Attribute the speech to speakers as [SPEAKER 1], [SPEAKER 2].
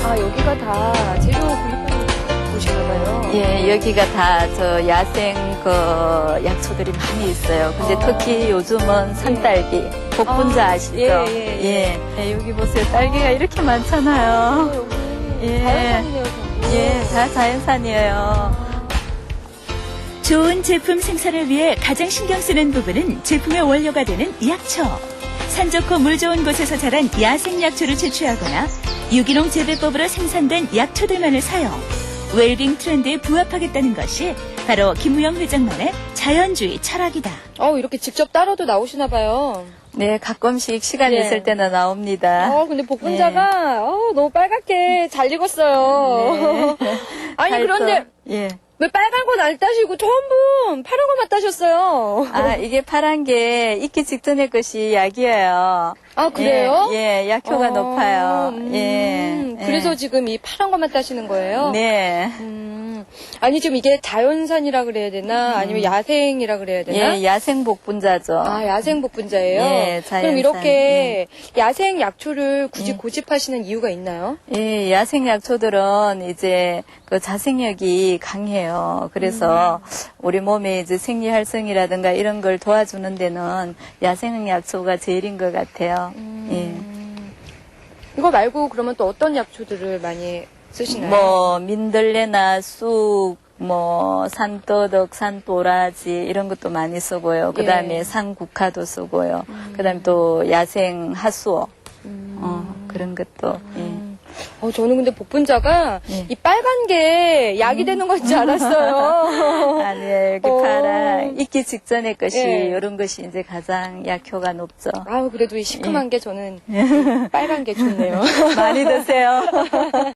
[SPEAKER 1] 아, 여기가 다 재료 구입하는 곳인가 봐요.
[SPEAKER 2] 예, 여기가 다 저 야생 그 약초들이 많이 있어요. 근데 특히 요즘은 산딸기, 복분자 아시죠? 예, 여기 보세요. 딸기가 이렇게 많잖아요.
[SPEAKER 1] 여기
[SPEAKER 2] 예.
[SPEAKER 1] 자연산이네요, 전부.
[SPEAKER 2] 예, 다 자연산이에요.
[SPEAKER 3] 좋은 제품 생산을 위해 가장 신경 쓰는 부분은 제품의 원료가 되는 약초. 산 좋고 물 좋은 곳에서 자란 야생 약초를 채취하거나 유기농 재배법으로 생산된 약초들만을 사용. 웰빙 트렌드에 부합하겠다는 것이 바로 김우영 회장만의 자연주의 철학이다.
[SPEAKER 1] 이렇게 직접 따러도 나오시나 봐요.
[SPEAKER 2] 네, 가끔씩 시간
[SPEAKER 1] 예.
[SPEAKER 2] 있을 때는 나옵니다.
[SPEAKER 1] 근데 복분자가 너무 빨갛게 잘 익었어요. 아니,
[SPEAKER 2] 잘
[SPEAKER 1] 그런데
[SPEAKER 2] 예.
[SPEAKER 1] 왜 빨간 건 안 따시고 전부 파란 것만 따셨어요?
[SPEAKER 2] 아, 이게 파란 게 익기 직전의 것이 약이에요.
[SPEAKER 1] 아, 그래요?
[SPEAKER 2] 예, 약효가 높아요. 예.
[SPEAKER 1] 그래서 지금 이 파란 것만 따시는 거예요?
[SPEAKER 2] 네.
[SPEAKER 1] 아니, 지금 이게 자연산이라 그래야 되나? 아니면 야생이라 그래야 되나?
[SPEAKER 2] 예, 야생 복분자죠.
[SPEAKER 1] 아, 야생 복분자예요?
[SPEAKER 2] 예, 자연산.
[SPEAKER 1] 그럼 이렇게 야생 약초를 굳이 고집하시는 이유가 있나요?
[SPEAKER 2] 예, 야생 약초들은 이제 그 자생력이 강해요. 그래서 우리 몸의 이제 생리 활성이라든가 이런 걸 도와주는 데는 야생 약초가 제일인 것 같아요. 예.
[SPEAKER 1] 이거 말고 그러면 또 어떤 약초들을 많이 쓰시나요?
[SPEAKER 2] 뭐 민들레나 쑥, 뭐 산더덕, 산도라지 이런 것도 많이 쓰고요. 그다음에
[SPEAKER 1] 예.
[SPEAKER 2] 산국화도 쓰고요. 그다음에 또 야생 하수오 그런 것도. 예.
[SPEAKER 1] 저는 근데 복분자가
[SPEAKER 2] 예.
[SPEAKER 1] 이 빨간 게 약이 되는 건 줄 알았어요.
[SPEAKER 2] 아니에요. 이렇게 파란 익기 직전의 것이
[SPEAKER 1] 예.
[SPEAKER 2] 이런 것이 이제 가장 약효가 높죠.
[SPEAKER 1] 그래도 이 시큼한 게 저는 빨간 게 좋네요.
[SPEAKER 2] 많이 드세요.